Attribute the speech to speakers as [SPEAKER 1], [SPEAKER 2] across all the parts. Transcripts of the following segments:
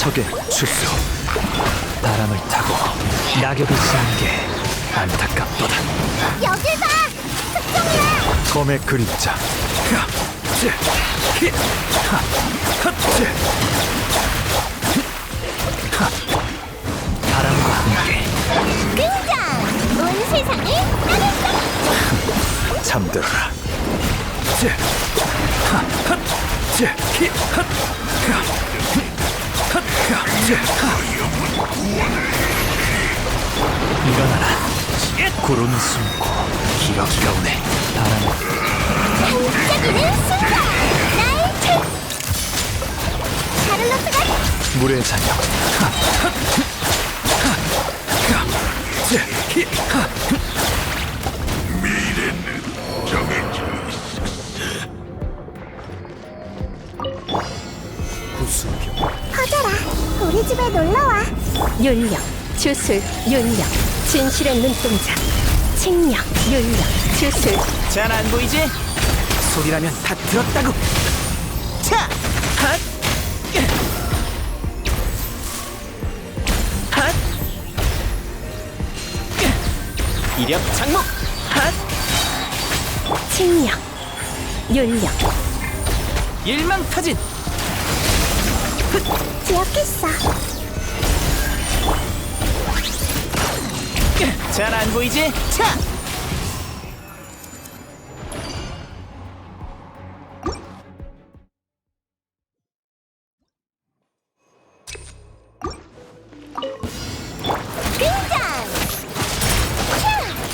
[SPEAKER 1] 삼척의 추수. 바람을 타고 낙엽이 지는 게 안타깝도다.
[SPEAKER 2] 여길 봐! 특종이야!
[SPEAKER 1] 검의 그림자. 바람과 함께
[SPEAKER 2] 등장! 온 세상을 따뜻하게!
[SPEAKER 1] 잠들어라. 일어나라. 구름이 숨고 기러기가 오네. 바람을
[SPEAKER 2] 반짝이는 순간! 나의 책! 샤를로트가
[SPEAKER 1] 물의 잔여. 구수병.
[SPEAKER 2] 퍼져라! 우리 집에 놀러와!
[SPEAKER 3] 윤력, 주술, 윤력, 진실의 눈동자, 칭력, 윤력, 주술.
[SPEAKER 4] 잘 안 보이지? 소리라면 다 들었다고. 차! 핫! 핫! 이력 장목. 핫!
[SPEAKER 3] 칭력, 윤력,
[SPEAKER 4] 일망타진.
[SPEAKER 2] 기억했어!
[SPEAKER 4] 잘 안 보이지? 차!
[SPEAKER 2] 등장! 차!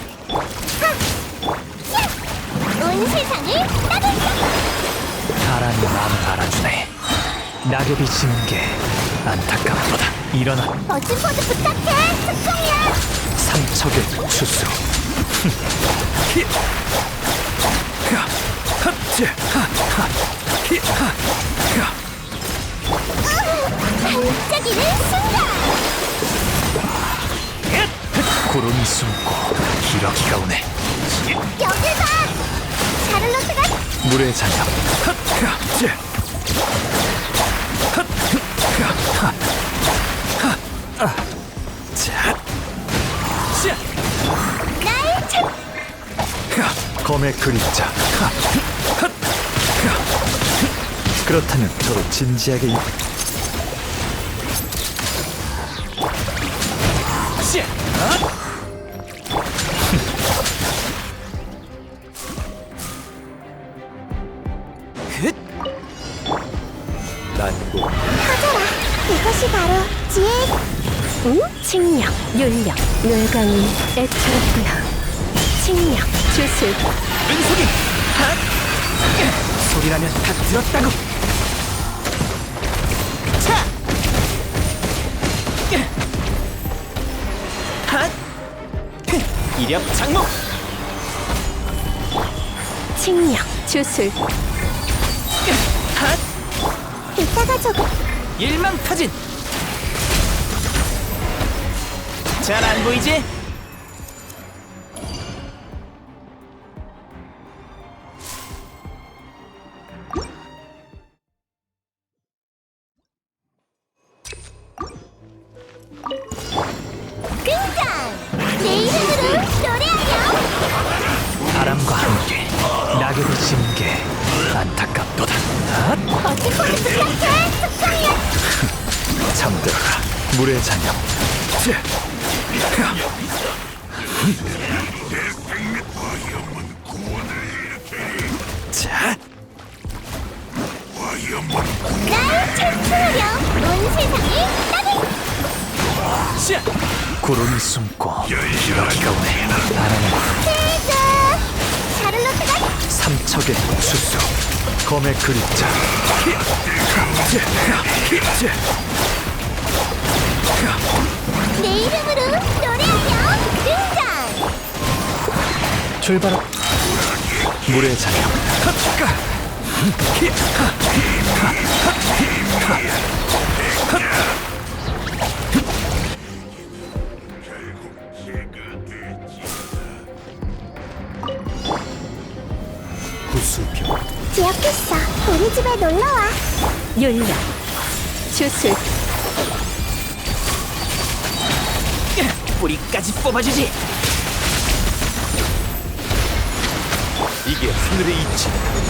[SPEAKER 2] 하! 야! 온 세상을 따뜻하게!
[SPEAKER 1] 바람이 마음을 알아주네. 낙엽이 지는 게 안타깝도다. 일어나.
[SPEAKER 2] 멋진 포즈 부탁해! 특종이야!
[SPEAKER 1] 삼척의 추수.
[SPEAKER 2] 반짝이는 순간!
[SPEAKER 1] 구름이 숨고 기러기가 오네.
[SPEAKER 2] 여길 봐! 샤를로트가
[SPEAKER 1] 물의 잔여.
[SPEAKER 2] 나의 책!
[SPEAKER 1] 검의 그림자. 그렇다면 서로 진지하게 난고.
[SPEAKER 2] 퍼져라! 이것이 바로 지혜의
[SPEAKER 3] 응? 칭력, 윤력, 뇌강이 애처롭구나. 칭력, 주술.
[SPEAKER 4] 은속이. 핫! 소리라면 다 들었다고. 차! 핫! 이력 장목.
[SPEAKER 3] 칭력, 주술.
[SPEAKER 4] 핫!
[SPEAKER 2] 이따가 조금
[SPEAKER 4] 일망타진. 잘 안 보이지?
[SPEAKER 2] 등장! 내 이름으로 노래하렴!
[SPEAKER 1] 바람과 함께 낙엽이 지는 게 안타깝도다.
[SPEAKER 2] 멋진 포즈 부탁해! 특종이야!
[SPEAKER 1] 잠들어라. 물의 잔여. 자,
[SPEAKER 2] 나의 챔프하렴! 온 세상을 따뜻하게!
[SPEAKER 4] 샤!
[SPEAKER 1] 구름이 숨고 기러기가 오네. 바람은
[SPEAKER 2] 세주! 샤를로트가
[SPEAKER 1] 삼척의 추수. 검의 그림자.
[SPEAKER 2] 내 이름으로 노래하렴! 등장!
[SPEAKER 1] 출발. 물의 잔여. 구수병.
[SPEAKER 2] 기억했어. 우리 집에 놀러와.
[SPEAKER 3] 윤력, 주술.
[SPEAKER 4] 뿌리까지 뽑아주지.
[SPEAKER 1] 이게 하늘의 이치.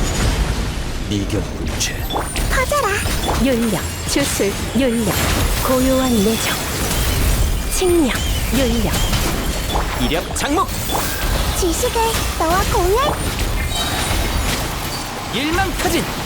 [SPEAKER 1] 이견군체.
[SPEAKER 2] 퍼져라.
[SPEAKER 3] 윤력, 주술, 윤력, 고요한 내정. 칭령, 윤력,
[SPEAKER 4] 이력 장목.
[SPEAKER 2] 지식을 너와 공유할
[SPEAKER 4] 일망타진.